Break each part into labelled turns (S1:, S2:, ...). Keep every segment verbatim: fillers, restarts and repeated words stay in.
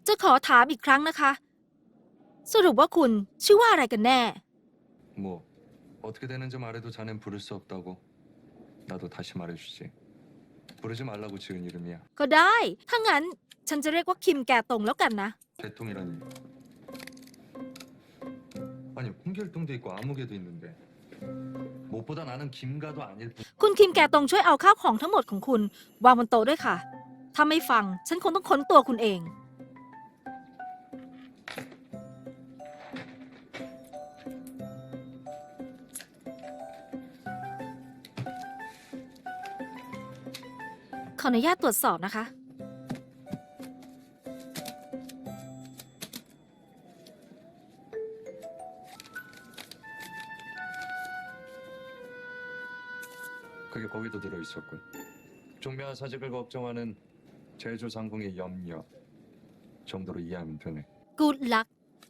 S1: จะขอถามอีกครั้งนะคะ สรุปว่าคุณชื่อว่าอะไรกันแน่
S2: 뭐 어떻게 되는지 말해도 자넨 부를 수 없다고. 나도 다시 말해주지. 부르지 말라고 지은 이름이야.
S1: ก็ได้ ถ้างั้นฉันจะเรียกว่าคิมแก่ตงแล้วกันนะ
S2: 개통이라니. 아니 홍길동도 있고 아무개도 있는데 무엇보다 나는 김가도 아닐 뿐.
S1: คุณคิมแก่ตงช่วยเอาข้าวของทั้งหมดของคุณวางบนโต๊ะด้วยค่ะ ถ้าไม่ฟังฉันคงต้องค้นตัวคุณเอง ขออนุญาตตรวจสอบนะคะ
S2: 그게 거기도 들어 있었군. 종묘와 사직을 걱정하는 제주 상궁의 염려 정도로 이해하면 되네.
S1: Good luck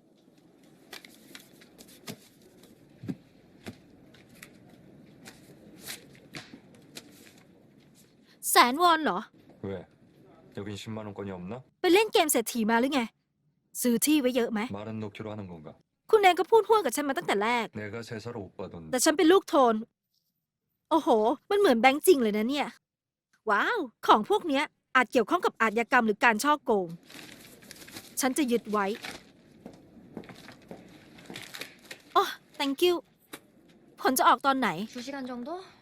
S1: แสนวอนเหรอ
S2: 왜? 여긴 십만 원권이 없나?
S1: ไปเล่นเกมเศรษฐีมาหรือไง ซื้อที่ไว้เยอะไหม
S2: 말은 놓기로 하는 건가?
S1: คุณเองก็พูดห่วงกับฉันมาตั้งแต่แรก
S2: 내가 세사로 못 받던
S1: แต่ฉันเป็นลูกโทน โอ้โห มันเหมือนแบงค์จริงเลยนะเนี่ย ว้าว ของพวกเนี้ยอาจเกี่ยวข้องกับอาชญากรรมหรือการช่อโกง ฉันจะยึดไว้อ๋อ thank you ผลจะออกตอนไหน
S3: 두 시간 정도?